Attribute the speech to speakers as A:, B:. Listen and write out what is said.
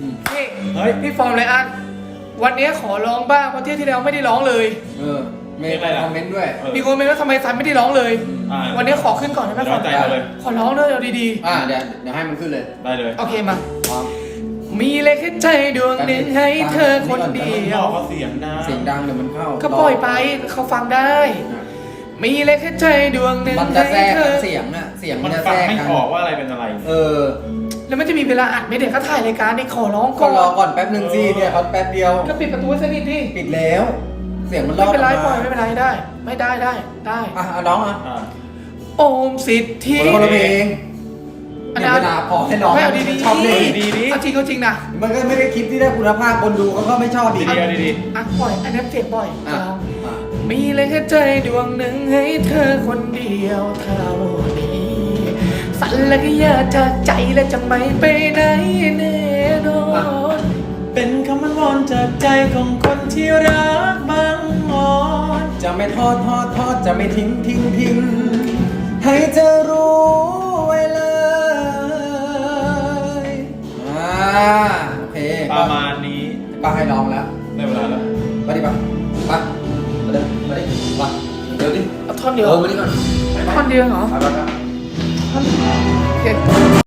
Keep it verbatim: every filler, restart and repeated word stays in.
A: นี่
B: เฮ้ย
A: พี่ฟอร์มเลยอันวันนี้ขอร้องบ้างเพราะเที่ยวที่แล้วไม่ได้ร้องเลย
C: เออมีคอมเมนต์ด้วย
A: มีคนเมนว่าทำไมซันไม่ได้ร้องเลย
B: อ่า
A: วันนี้ขอขึ้นก่อนได้ไหมฟอร์ม
B: ใจเราเลย
A: ขอร้องเลยเอาดี
C: อ่าเดี๋ยวเดี๋ยวให้มันขึ้นเลย
B: ได้เลย
A: ๆโอเคมา
C: พร้อม
A: มีเลยแค่ใจดวงหนึ่งให้เธอคนเดีย
B: บ
A: ว
B: อกเขาเสียงดัง
C: เสียงดังเดี๋ยวมันเข้า
A: ก็ปล่อยไปเขาฟังได้
C: อ่ะ
A: มีเลยแค่ใจดวงหนึ่ง
C: มันจะ
A: ให้
C: แทรก
A: เธ
C: กั
A: อน
C: เสียงอะเสียง
B: มั
C: มัน
B: น
C: จะ
B: ฟั
C: แท
B: ง
C: รก
B: ไม่
C: กัน
B: ออกว่าอะไรเป็นอะไร
C: เออ
A: แล้วมันจะมีเวลาอัดไหมเดี๋ยวเขาถ่ายรายการนี่ขอร้อง
C: ก็
A: ก่อน
C: รอก่อนแป๊บหนึ่งสิเนี่ยเขาแป๊บเดียว
A: ก็ปิดประตูให้สนิทดิ
C: ปิดแล้ว เสียงมันร
A: ไม่
C: อด
A: เป็นไร
C: ออก
A: ปล่อย
C: มา
A: ไม่เป็นไรได้ ไม่ได้ได้ได้
C: อ่ะเอาน้องอ่ะ
B: อ่า
A: โอมสิทธิ
C: คนละเพลง
A: อัน
C: เนี่
A: นั้
C: ย
A: น
C: เวลาพอให้น้อง
A: ไม่เอาดีๆ
C: ชอบเล่น
B: ดีๆ
A: เอาจริงเอาจริงนะ
C: มันก็ไม่ได้คลิปที่ได้คุณภาพคนดูเขาก็ไม่ชอบดี
B: ดีๆเอาดี
A: อ่ะปล่อยอันนั้นเจ็บบ่อย
C: อ่ะ
A: ลอง
C: อ่ะ
A: มีเลยแค่ใจดวงหนึ่งให้เธอคนเดียวเท่านี้สั่นและก็อยากจากใจและจะไม่ไปไหนแน่นอน
B: ๆเป็นคำมันวอนจากใจของคนที่รักบางอ่อน
C: จะไม่ทอดทอดทอดจะไม่ทิ้งทิ้งทิ้งให้เธอรู้ไว้เลยอ่าโอเค
B: ประมาณนี้
C: ป้าให้น้องแล้ว
B: ได้เวลาแล้ว
C: ไปดิป่ะไปมาเดินมาดิป่ะเดี๋ยวดิ
A: เอาท่อนเดียว
C: เออมาดิก่อนไปไป
A: ท่อนเดียวเหรอ
C: ไปไปไป
A: โอเค